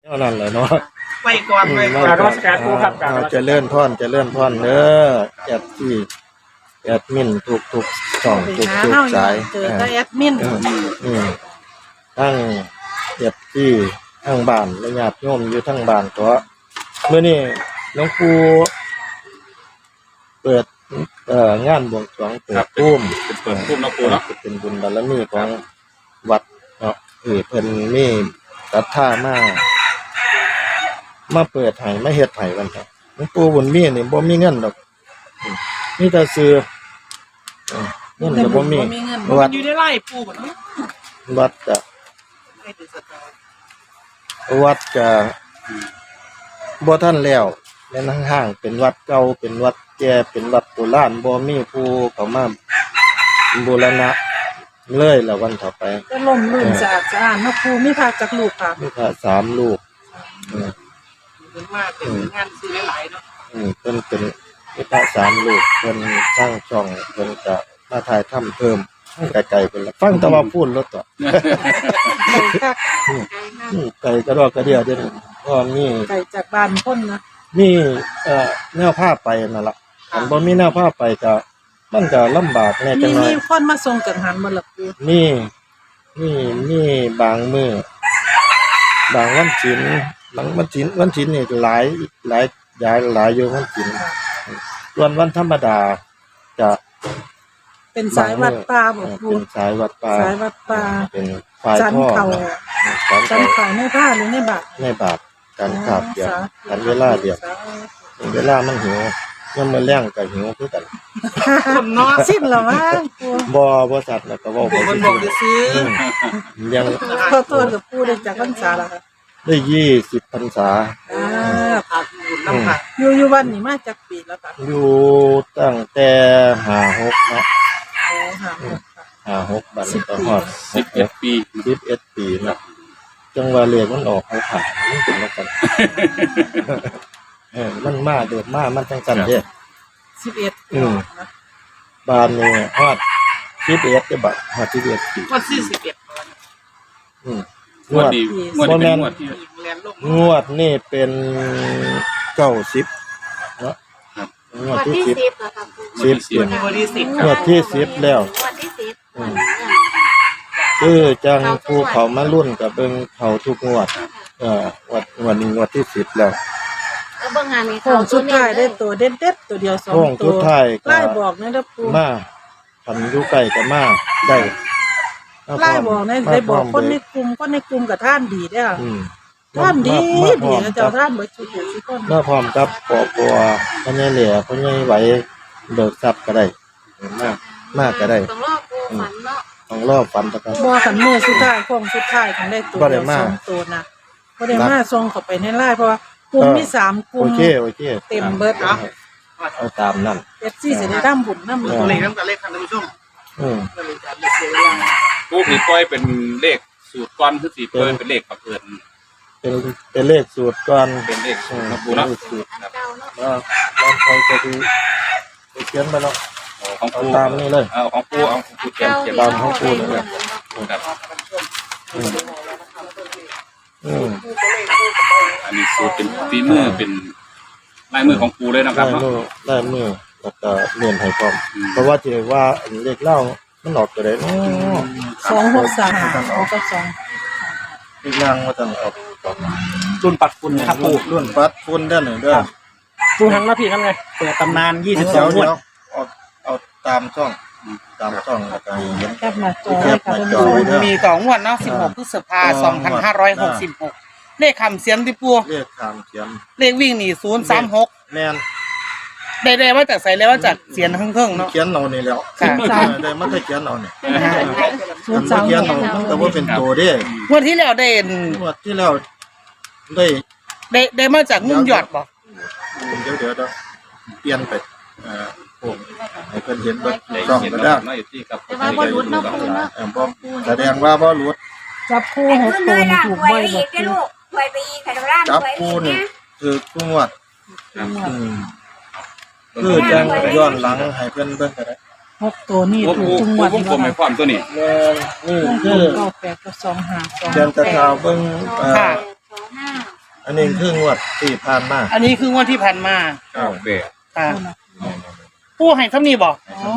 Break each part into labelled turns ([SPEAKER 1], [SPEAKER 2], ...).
[SPEAKER 1] เท่านั้นแหละเนาะ
[SPEAKER 2] ไปก่อนไปก่อน
[SPEAKER 3] ราชการผู้ครับ
[SPEAKER 1] เจะเลื่อนท่อนเด้อแอดที่แอดมินทุกช่องทุกสาย
[SPEAKER 2] เจอแอดมิน
[SPEAKER 1] ทั้งแอดที่ทั้งบ้านและญาติโยมอยู่ทั้งบ้านตัวเมื่อนี้หลวงปู่เปิดงานบวงสรวงเปิดพุ่ม
[SPEAKER 3] เปิดพุ่มนะปู่เนาะ
[SPEAKER 1] เป็นบุญบารมีของวัดเนาะเพิ่นมีศรัทธามาเปิดให้มาเฮ็ดให้กันครับหลวงปู่บุญมีนี่บ่มีเงินดอกมีแต่ซื้อเงินก็บ่มี
[SPEAKER 2] วัดอยู่ในไร่ปู่บ่เนาะ
[SPEAKER 1] วัดก็บ่ทันแล้วแม่นห่างๆเป็นวัดเก่าเป็นวัดแก่เป็นวัดโบราณบ่มีผู้เข้ามาบูรณะเลยแล้ววันต่อไป
[SPEAKER 2] ก็ล่มลื่นสะอาดสะอ้านเนาะปู่มีพระจักลูกค่ะ
[SPEAKER 1] มีพระ3ลูก
[SPEAKER 2] เป็นมากเป็นงานซื้อหลายเนาะ
[SPEAKER 1] เพิ่นเป็นมีพระ3ลูกเพิ่นสร้างช่องเพิ่นก็มาถ่ายทำเพิ่มไกลๆเพิ่นละฟังแต่ว่าพูดรถต่อไกลกระดอกกระเดียเด้อก็มี
[SPEAKER 2] ไกลจากบ้านคนนะ
[SPEAKER 1] มีแนวผ้าไปนั่นล่ะคันบ่มีแนวผ้าไปก็มันก็ลำบากแน่จังหน่อย
[SPEAKER 2] มีคนมาส่งกังหันบ่ล่ะปู่
[SPEAKER 1] มีบางมื้อบางวันศีลนี่หลายอยู่วันศีลส่วนวันธรรมดาจะ
[SPEAKER 2] เป็นสายวัดป่าบ่ปู่
[SPEAKER 1] เป็นสายวัดป่าเป็นฝ่ายพ่อ
[SPEAKER 2] จันเขาในผ้าหรือในบาท
[SPEAKER 1] การขาบเดียวกันเวลาเดียวเวลามันหิวยามมื้อแลงก็หิวคือกัน
[SPEAKER 2] คนเนาะสิ้นแล้วมั้ง
[SPEAKER 1] ปู่บ่สัตว์แล้วก็เว้าไป
[SPEAKER 2] บอกซื้อ
[SPEAKER 1] ยัง
[SPEAKER 2] ขอโทษกับปู่ได้จากพรรษาแล้วค่ะ
[SPEAKER 1] ได้20พรรษา
[SPEAKER 2] พาบุญนำค่ะอยู่วันนี้มาจักปีแล้วค่ะ
[SPEAKER 1] อยู่ตั้งแต่56นะ56บัดนี้ก็ฮอด
[SPEAKER 3] 11
[SPEAKER 1] ปีนะจังว่าเลขมันออกให้ผ่านมันเป็นแล้วกันมันมาโดดมามันจังซั่นเด้
[SPEAKER 2] 11
[SPEAKER 1] บานนี้ฮอด11เด้อบัดฮอด11ปี
[SPEAKER 2] ฮอด41
[SPEAKER 1] งวดนี่เป็น90เนาะงวดที่10แล้วครับงวดที่10แล้วจังผู้เขามารุ่นกับเบิ่งเขาทุกงวดวันนี้งวดที่10แล้ว
[SPEAKER 4] เบิ่งงานนี้
[SPEAKER 2] เขาสุดท้ายได้ตัวเด็ดๆตัวเดียว2ตัวไล่บอกนะเด้อปู่
[SPEAKER 1] มาทำอยู่ใกล้ก็มาได้
[SPEAKER 2] ไล่บอกได้บอกคนในกลุ่มกับท่านดีเด้อท่านดีเจ้าท่านบ่ทุกคน
[SPEAKER 1] มาพร้อมกับปอปัวพ่อใหญ่เหลี่ยพ่อใหญ่ไหวเบิกทรัพย์ก็ได้มากก็ได้ต้องรอฝันตะกัน
[SPEAKER 2] บ่คันมื้อสุดท้ายของสุดท้ายของได้ตัว2ตัวนะบ่ได้มาส่งเข้าไปในไลน์เพราะว่ากลุ่มมี3กลุ่ม
[SPEAKER 1] โอเค
[SPEAKER 2] เต็มเบิด
[SPEAKER 1] เอาตามนั้น
[SPEAKER 2] FC สิได้ทำบุญนำตัวเลขนำกันเลขท่านผู้ชม
[SPEAKER 3] ปู่สิปล่อยเป็นเลขสูตรก่อนคือสิปล่อยเป็นเลขบังเอิญ
[SPEAKER 1] เป็นเลขสูตรก่อน
[SPEAKER 3] เป็นเลขสูตรนะปู่เนาะ
[SPEAKER 1] แล้วคอยจะดูเขียนมาเนาะ
[SPEAKER 3] ของปู่
[SPEAKER 1] ตามนี่เลย
[SPEAKER 3] ของปู่เอาของปู่เขียน
[SPEAKER 1] ตามของปู่เลย
[SPEAKER 3] ครับอันนี้สูตรเป็นฝีมือเป็นลายมือของปู่เลยนะครับเนาะ
[SPEAKER 1] ลายมือแล้วก็เรียนให้พร้อมเพราะว่าที่ว่าเลขเล่ามันออกตัวใดเนาะ
[SPEAKER 2] 263เอากับ2
[SPEAKER 1] อีกนางว่าต้องออก
[SPEAKER 3] รุ่นปัดฝุ่นครับปู่
[SPEAKER 1] รุ่นปัดฝุ่นด้านหนึ่งเด้อ
[SPEAKER 3] ปู่หันมาพี่นั่นไงเปิดตำนาน22งวด
[SPEAKER 1] เอาตามช่องแล้วก็
[SPEAKER 2] เห็นแคปหน้าจอค่ะ
[SPEAKER 5] มี2งวดเนาะ16พฤษภาคม2566เลขคำเสียมที่ปู่
[SPEAKER 1] เลขคำเสียม
[SPEAKER 5] เลขวิ่งนี่036
[SPEAKER 1] แม่น
[SPEAKER 5] ได้มาจากไสแล้วว่าจากเสียนเพิ่งๆเนาะ
[SPEAKER 1] เขียนเอานี่แล้วได้มาแต่เขียนเอานี่
[SPEAKER 2] 036
[SPEAKER 1] เขียนเอามันก็บ่เป็นตัวเด้
[SPEAKER 5] งวดที่แล้วได้
[SPEAKER 1] งวดที่แล้ว
[SPEAKER 5] ได้มาจากมุมยอดบ่
[SPEAKER 1] เดี๋ยวเปลี่ยนไปผมให้เพิ่นเห็นว่าต้องก็ได้
[SPEAKER 4] แต่ว่าบ่หลุดเนาะปู่เนาะ
[SPEAKER 1] แสดงว่าบ่หลุด
[SPEAKER 2] จับคู่6ตัวถูกบ่อยบ่
[SPEAKER 4] ถวยไปอีกค่ะร้าน
[SPEAKER 1] จับคู่นี่คือทุกงวดคือจังย้อนหลังให้เพิ่นเบิ่งก็ได้
[SPEAKER 2] 6ตัวนี่ถูกทุกงวด
[SPEAKER 3] นี่ผมให้พร้อมตัวนี้
[SPEAKER 1] นี่คือ
[SPEAKER 2] 98กับ25
[SPEAKER 1] เดือนตะขาวเบิ่งอันนี้คืองวดที่ผ่านมา
[SPEAKER 5] อันนี้คืองวดที่ผ่านมา
[SPEAKER 3] 9 8
[SPEAKER 5] ค่ะผู้ให้ซ้ำนี่บอก
[SPEAKER 2] อ๋อ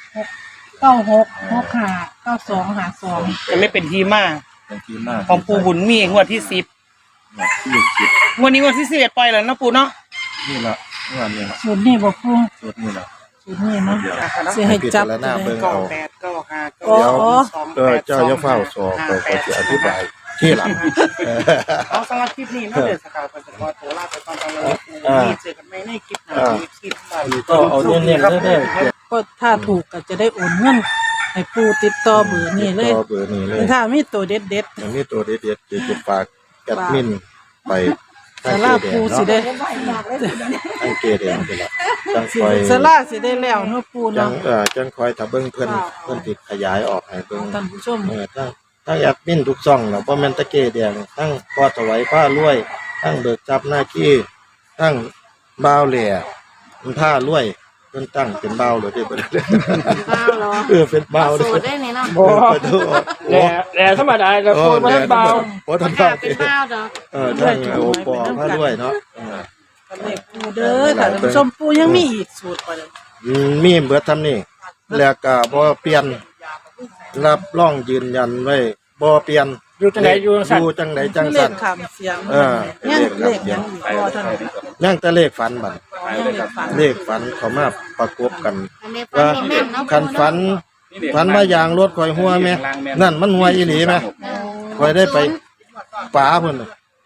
[SPEAKER 2] 96 95 92 52
[SPEAKER 5] จะไม่เป็นทีมา
[SPEAKER 1] เป็นที่มา
[SPEAKER 5] ของปูบุญมีงวดที่10
[SPEAKER 1] ที่คิด
[SPEAKER 5] งวดนี้งวดที่11ปล่อยแล้วเนาะปูเนาะ
[SPEAKER 1] นี่ละงวดนี้ละ
[SPEAKER 2] สูตรนี้บ่ปู
[SPEAKER 1] สุดนี่ละ
[SPEAKER 2] สูตรนี้เนาะ
[SPEAKER 1] เดี๋ยว
[SPEAKER 2] สิให้จับ
[SPEAKER 1] พิจารณาเบิ่ง
[SPEAKER 5] เก้า
[SPEAKER 1] เอา
[SPEAKER 5] แปดเก้าห้า
[SPEAKER 2] เดี๋ยว
[SPEAKER 1] เจ้าอย่าเฝ้าสอบไปจะอธิบายที่หลัง
[SPEAKER 5] เอาสำหรับคลิปนี้เนาะเดี๋ยวสกาวปัจจุบันโทรลาไปก่อนตอนนี้เจอกันใหม่ในคลิปหน้าคลิปหน้า
[SPEAKER 1] ก็เอาเน้นๆเด้อ
[SPEAKER 2] ก็ถ้าถูกก็จะได้โอนเงินให้ปูติดต่อเบอร์นี้เลย
[SPEAKER 1] ต่อเบอร์นี้เลย
[SPEAKER 2] ถ้ามีตัวเด็ด
[SPEAKER 1] อย่างนี้ตัวเด็ดๆเดี๋ยวจะฝากแอดมินไป
[SPEAKER 2] ๆสาราปูสิได้
[SPEAKER 1] ตั้งเกแดงไปละจังคอย
[SPEAKER 2] สาราสิได้แล้วเนาะปู
[SPEAKER 1] จั
[SPEAKER 2] เนาะ
[SPEAKER 1] งจังคอยถ้าเบิ่งเพิ่นติดขยายออกให้เบิ่ง
[SPEAKER 2] ท่านผู้ชม
[SPEAKER 1] ทั้งแอดมินทุกช่องแล้วบ่แม่นตะเกแดงทั้งพอถวายผ้ารวยทั้งเบิกจับหน้าขี้ทั้งบ่าวแหล่ผ้ารวยเพิ่นตั้งเป็นบ่าวเลยเด้อบ่ได้
[SPEAKER 4] บ้าเหรอ
[SPEAKER 1] เป็นบ่าว
[SPEAKER 4] สู
[SPEAKER 1] เด้อ
[SPEAKER 4] ตรได้นี่เนาะ
[SPEAKER 1] บ่โอ้
[SPEAKER 6] แต่ธรรมดาจะพูดว่าเบา
[SPEAKER 1] บ่ทัน
[SPEAKER 4] กล้า
[SPEAKER 1] เบา
[SPEAKER 4] เป็นบ้าดอก
[SPEAKER 1] ทั้งโอปอผ้ารวยเนาะ
[SPEAKER 2] เลขปูเด้อท่านผู้ชมปูยังมีอีกสูตรบ่ได้
[SPEAKER 1] มีเบิดทำนี่แล้วก็บ่เปลี่ยนรับรองยืนยันไว้บ่เปลี่ยน
[SPEAKER 6] อยู่จังไหนอยู่จังสัน
[SPEAKER 1] อยู่จังไดจัง
[SPEAKER 2] เล
[SPEAKER 1] สั่
[SPEAKER 2] ข
[SPEAKER 1] น
[SPEAKER 2] คำเสียง
[SPEAKER 1] เลข
[SPEAKER 2] เลข
[SPEAKER 1] คำเสีย
[SPEAKER 2] ยัง งอีกบ่ท่าน
[SPEAKER 1] ยังแต่เลขฝันบัด
[SPEAKER 2] ยังเลขฝัน
[SPEAKER 1] เลขฝันเขามาประกบกัน
[SPEAKER 4] อันนี้ฟัน
[SPEAKER 1] ว่า
[SPEAKER 4] นี่แม่นเนาะ
[SPEAKER 1] คันฝันฝันว่ายางรถข่อยหัวแม่นั่นมันหัวอีหลีแม่ข่อยได้ไปป๋าเพิ่น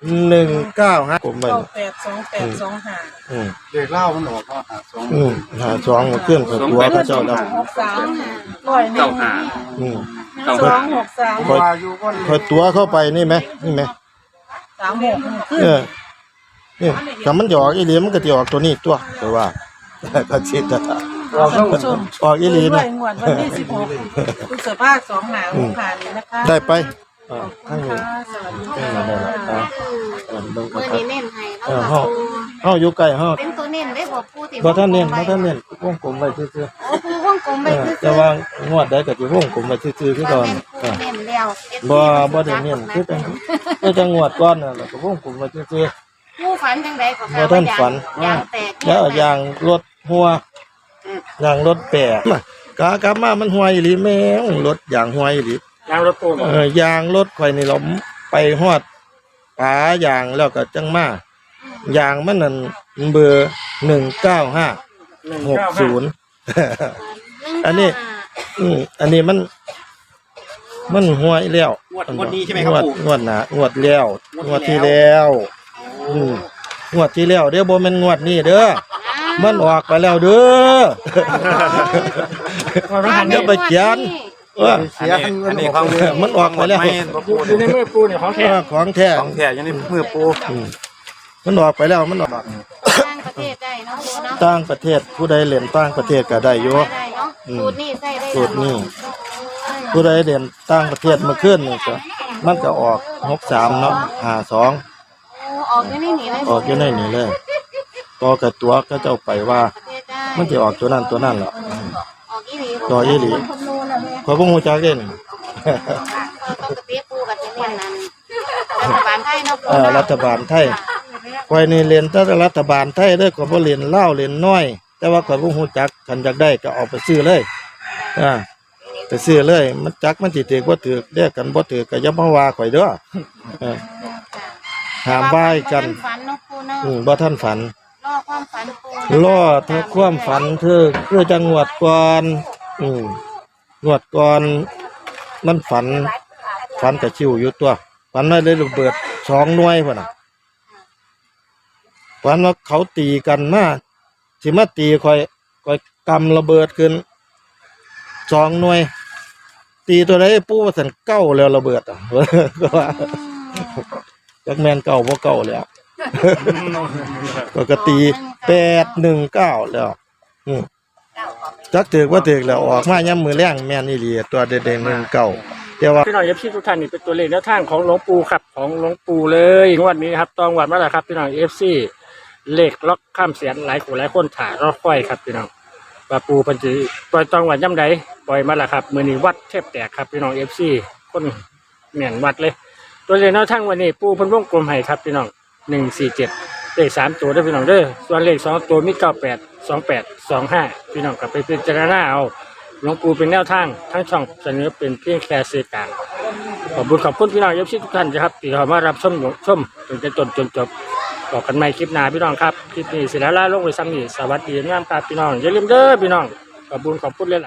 [SPEAKER 1] 195ผมไป
[SPEAKER 2] 982825
[SPEAKER 1] เด็กเล่ามันออกเขาหาสองมาเคลื่อนกับตัวพระเจ้าดำ
[SPEAKER 2] 63ร้อยหนึ่ง
[SPEAKER 3] 95
[SPEAKER 1] อืม
[SPEAKER 2] 263
[SPEAKER 1] ข่อยตัวเข้าไปนี่ไหมนี่ไหม
[SPEAKER 2] 36ขึ้น
[SPEAKER 1] นี่ถ้ามันจะออกอีหลีมันก็จะออกตัวนี้ตัวแต่ว่า ก็ชิด
[SPEAKER 2] ท่านผู้ชม
[SPEAKER 1] ออกอีหลี
[SPEAKER 2] ด้
[SPEAKER 1] นะ
[SPEAKER 2] วยงวดวันที่16พฤษภาคม2565นี้นะคะ
[SPEAKER 1] ได้ไป
[SPEAKER 2] ขอบคุ
[SPEAKER 1] ทั้ง
[SPEAKER 2] ณ
[SPEAKER 1] นี้
[SPEAKER 2] ค่ะสวัสดี
[SPEAKER 1] ได้
[SPEAKER 2] ค่ะ
[SPEAKER 1] แล้วเบิ่ง
[SPEAKER 4] เมื่อ
[SPEAKER 1] ครับ
[SPEAKER 4] นี้เน้นให้
[SPEAKER 1] เอ
[SPEAKER 4] แล้ว
[SPEAKER 1] อ
[SPEAKER 4] ก็
[SPEAKER 1] เฮาอยู่ใกล้เฮา
[SPEAKER 4] เป็นตัวเน้นได้บ่ปูติ
[SPEAKER 1] บ่ทันเน้นวงกลมไว้ซื่อ
[SPEAKER 4] โอ้ปูวงกลม
[SPEAKER 1] ๆ
[SPEAKER 4] ไปคือ
[SPEAKER 1] แต่ว่างวดใดก็สิวงกลมไว้ซื่อๆคือก่อน
[SPEAKER 4] ปูเน้นแล้ว
[SPEAKER 1] บ่ได้เน้นคือจังงวดก่อนน่ะแล้วก็วงกลมไว้ซื่อ
[SPEAKER 4] ปูฝันจังไดก็
[SPEAKER 1] บ่ทันฝัน
[SPEAKER 4] ยางแตก
[SPEAKER 1] ๆแล้วเอายางรถหัวยางรถแปะกากลับมามันห่วยอีหลีแม่งรถยางห่วยอีหลี
[SPEAKER 6] ยางรถปูบอก
[SPEAKER 1] ยางรถข่อยนี่เราไปฮอดปายางแล้วก็จังมายางมันนั่นเบอร์19560 อันนี้ อันนี้มันห่วยแล้ว
[SPEAKER 5] งวดนี้ใช่ไหมครับปู่
[SPEAKER 1] งวดหน้างวดแล้วงวดที่แล้วงวดที่แล้วเด้อบ่แม่นงวดนี้เด้อมันออกไปแล้วเด้อ เดี๋ยวไปเขียน
[SPEAKER 7] เสียอันนี้ของ
[SPEAKER 1] มันออกไปแล้ว
[SPEAKER 6] อยู่ในมือปูเนี่ยของแท้
[SPEAKER 1] ของแท้
[SPEAKER 7] ของแท้อยังนี่มือปู
[SPEAKER 1] มันออกไปแล้วมันออก
[SPEAKER 4] ต่างประเทศได้เนาะปูเนาะ
[SPEAKER 1] ต่างประเทศผู้ใดเล่นต่างประเทศก็ได้อยู่
[SPEAKER 4] ได้เนาะสูตรนี้ใส่ได้
[SPEAKER 1] สูตรนี้ผู้ใดเล่นต่างประเทศเมื่อคืนนี่ก็มันก็ออก63เนาะ52
[SPEAKER 4] ออกอยู่ในนี้เลย
[SPEAKER 1] ออกอยู่ในนี้เลยต่อกับตัวก็เจ้าไปว่า
[SPEAKER 4] ประเทศได้
[SPEAKER 1] มันจะออกตัวนั้นตัวนั้นเหรอ
[SPEAKER 4] ออกอีหลี
[SPEAKER 1] ต่ออีหลี
[SPEAKER 4] คำนวณแล้วแม่
[SPEAKER 1] ขอยบ่ฮู้จักเด้นี่
[SPEAKER 4] ปกติปูกับจะเน้นนั้นรัฐบาลไทยเนาะปู
[SPEAKER 1] รัฐบาลไทยข่อยนี่เรียนแต่รัฐบาลไทยเด้อข่อยบ่เรียนลาวเรียนน้อย แต่ว่าข่อยบ่ฮู้จักคันอยากได้ก็เอาไปซื้อเลยไปซื้อเลย มันจักมันสิถูกบ่ถูกเด้อกันบ่ถูกก็อย่ามาว่าข่อยเด้อห้ามว่าให้กัน
[SPEAKER 4] ฝันเนาะปูเนาะ
[SPEAKER 1] บ่ทันฝัน
[SPEAKER 4] รอความฝันปู
[SPEAKER 1] รอเธอความฝันเธอคือจังหวัดก่อนงวดก่อนมันฝันกับชิวอยู่ตัวฝันว่าได้ระเบิด2 หน่วยพุ่นน่ะฝันว่าเขาตีกันมาสิมาตีข่อยกำระเบิดขึ้น2 หน่วย ตีตัวใดปู่ว่าซั่นเก้าแล้วระเบิดอ่ะ ก็ว่าจักแม่นเก้าบ่เก้าแล้ว ก็ตี819แล้วจักถือว่าถือแล้วออกมาย่ำมือแรงแม่นอีหลีตัวเด็ดๆ19แต่ว่า
[SPEAKER 6] พี่น้องเอฟซีทุกท่านนี่เป็นตัวเลขแนวทางของหลวงปู่ครับของหลวงปู่เลยงวดนี้ครับตองวัดมาแล้วครับพี่น้องเอฟซีเลขล็อกข้ามเสียนหลายคนถ่ารอค่อยครับพี่น้องปลาปูพันจีปล่อยตองวัดย่ำใดปล่อยมาแล้วครับมือนี้วัดแทบแตกครับพี่น้องเอฟซีคนแม่นวัดเลย ตัวเลขแนวทางวันนี้ปูเพันวงกลมให้ครับพี่น้อง 147เลข3ตัวได้พี่น้องเด้อส่วนเลข2ตัวมี98 28 25พี่น้องก็ไปพิจารณาเอาหลวงปู่เป็นแนวทางทั้งช่องเสนอเป็นเพียงแค่สื่อกลางขอบคุณพี่น้องเอฟซีทุกท่านนะครับที่เข้ามารับชมจนจบบอกกันใหม่คลิปหน้าพี่น้องครับคลิปนี้สิแล้วลาลงไว้ซ้ำนี้สวัสดีงามครับพี่น้องอย่าลืมเด้อพี่น้องขอบคุณเลย